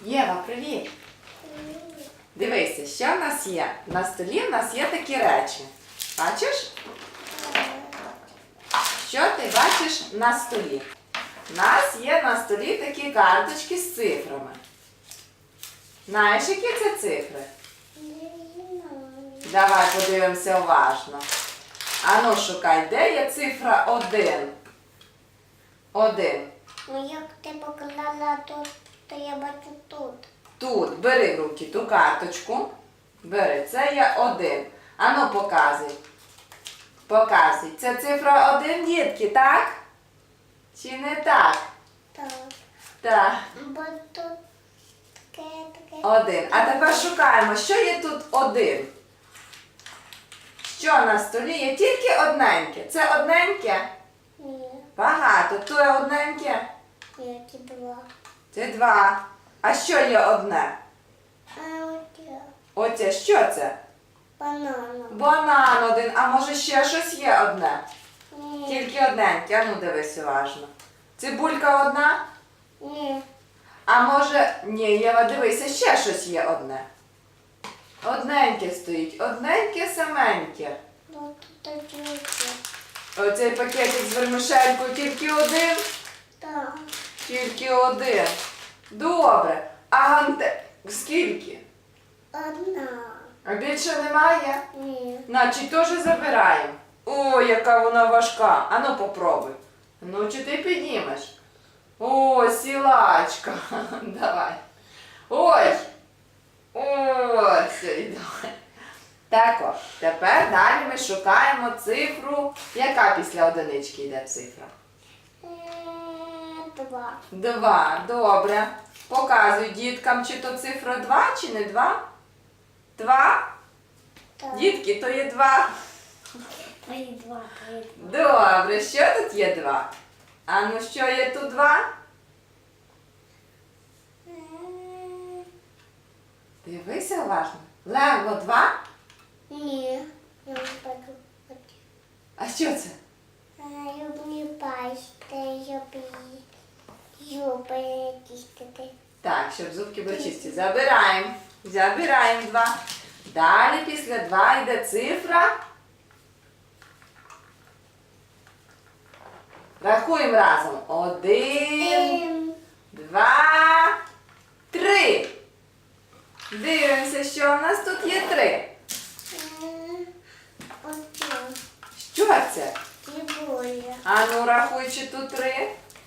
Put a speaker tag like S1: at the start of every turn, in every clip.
S1: Єва, привіт! Дивися, що в нас є? На столі в нас є такі речі. Бачиш? Що ти бачиш на столі? У нас є на столі такі карточки з цифрами. Знаєш, які це цифри? Давай подивимося уважно. Ану, шукай, де є цифра 1? 1.
S2: Ну, як ти поклала тут, то я бачу тут.
S1: Тут, бери в руки ту карточку. Бери, це є 1. Ану, показуй. Показуй. Це цифра 1, дітки, так? Чи не так?
S2: Так.
S1: Так.
S2: Бо тут таке.
S1: 1. А тепер шукаємо, що є тут 1. Що на столі є? Тільки одненьке. Це одненьке?
S2: Ні.
S1: Багато. То є одненьке?
S2: Які два.
S1: Це 2. А що є одне?
S2: А оце.
S1: Оце, що це?
S2: Банан.
S1: Банан 1. А може ще щось є одне?
S2: Ні.
S1: Тільки одненьке. А ну дивись уважно. Цибулька одна?
S2: Ні.
S1: А може... Ні, Єва, дивися, ще щось є одне. Одненьке стоїть. Одненьке саменьке.
S2: Ну, тут такі.
S1: Оцей пакетик з вермишелькою тільки один?
S2: Так.
S1: Тільки один. Добре. А ганте... Скільки?
S2: Одна.
S1: А більше немає?
S2: Ні.
S1: Значить, теж забираємо. Ой, яка вона важка. Ану, попробуй. Ну, чи ти піднімеш? О, сілачка. Давай. Ой. Ось, давай. Так от, тепер далі ми шукаємо цифру. Яка після одинички йде цифра?
S2: Два.
S1: 2. Добре. Показуй діткам, чи то цифра 2, чи не 2? 2?
S2: Так.
S1: Дітки, то є 2.
S2: Ой, два.
S1: Добре, що тут є 2? А ну що є тут 2? Дивися уважно. Лего 2?
S2: Ні. Я не бачу.
S1: А що це?
S2: Люблю пасти, зуби чистити.
S1: Так, щоб зубки були чисті. Забираємо. Забираємо 2. Далі після 2 йде цифра. Рахуємо разом. 1, 2, 3. Дивимося, що у нас тут є 3.
S2: Оце.
S1: Що це?
S2: Цибуля.
S1: А ну рахуй, чи тут 3.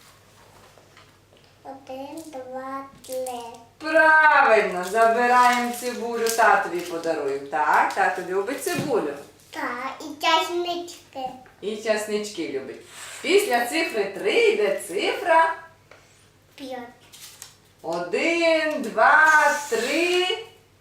S2: 1, 2, 3.
S1: Правильно, забираємо цибулю, татові подаруємо. Так, тато любить цибулю.
S2: Так, і часнички.
S1: І часнички любить. Після цифри 3 йде цифра
S2: 5.
S1: 1, 2, 3,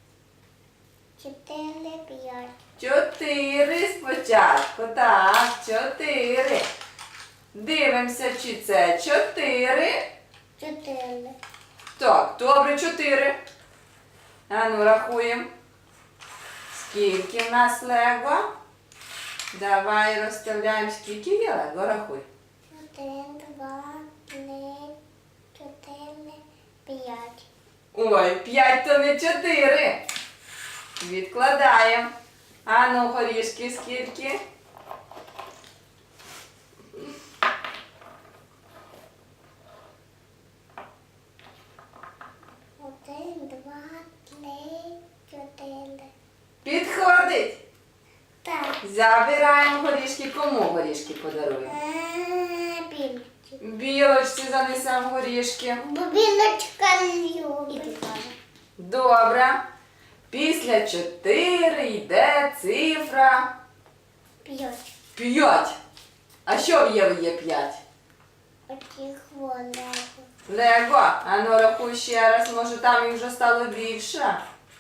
S2: 4, 5.
S1: 4 спочатку. Так, 4. Дивимося, чи це 4.
S2: 4.
S1: Так, добре, 4. А ну, рахуємо. Скільки в нас лего? Давай розставляємо, скільки є лего, рахуй.
S2: 1, 2, 3, 4, 5.
S1: Ой, 5 то не 4. Відкладаємо. А ну, горішки скільки?
S2: 1, 2, 3, 4.
S1: Підходить.
S2: Так.
S1: Забираємо горішки. Кому горішки подаруємо?
S2: Білочка.
S1: Білочці занесемо горішки.
S2: Бо білочка любить.
S1: Добре. Після 4 йде цифра
S2: 5.
S1: 5. А що в Єві є 5?
S2: Оці хвилини.
S1: Лего. А ну рахуй ще раз, може там їх вже стало більше.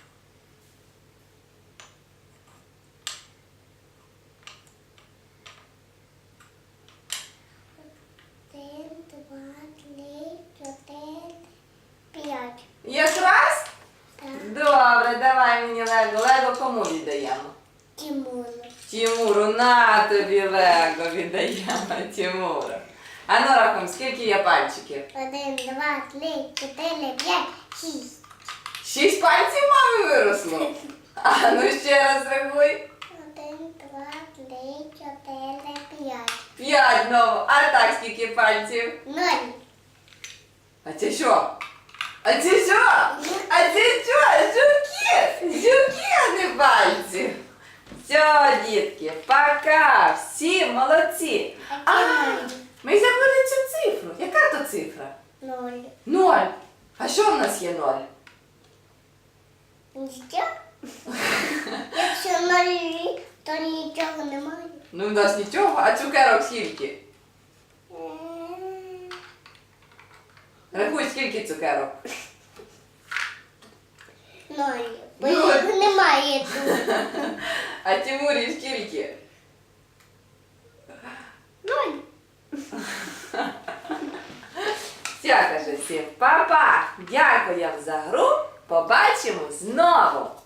S2: 1, 2, 3, 4, 5.
S1: Якраз?
S2: Так.
S1: Добре, давай мені Лего. Лего кому віддаємо?
S2: Тимуру.
S1: Тимуру, на тобі Лего віддаємо Тимуру. А ну рахуємо, скільки є пальчиків?
S2: 1, 2, 3, 4, 5, 6.
S1: 6 пальців мами виросло. А ну ще раз рахуй.
S2: 1, 2, 3, 4, 5.
S1: 5 знову. А так скільки пальців?
S2: 0.
S1: А це що? А це що? А це що? Жуки! Жуки, а не пальці. Все, дітки, пока. Всі молодці. А, ми забули цю цифру. Яка то цифра?
S2: 0.
S1: 0. А що в нас є 0?
S2: Нічого? Якщо 0, то нічого немає.
S1: Ну, в нас нічого, а цукерок скільки? Рахуй, скільки цукерок?
S2: 0. Бо їх немає тут.
S1: А Тимурі скільки?
S2: 0.
S1: Все, каже всім, папа, дякую за гру, побачимо знову.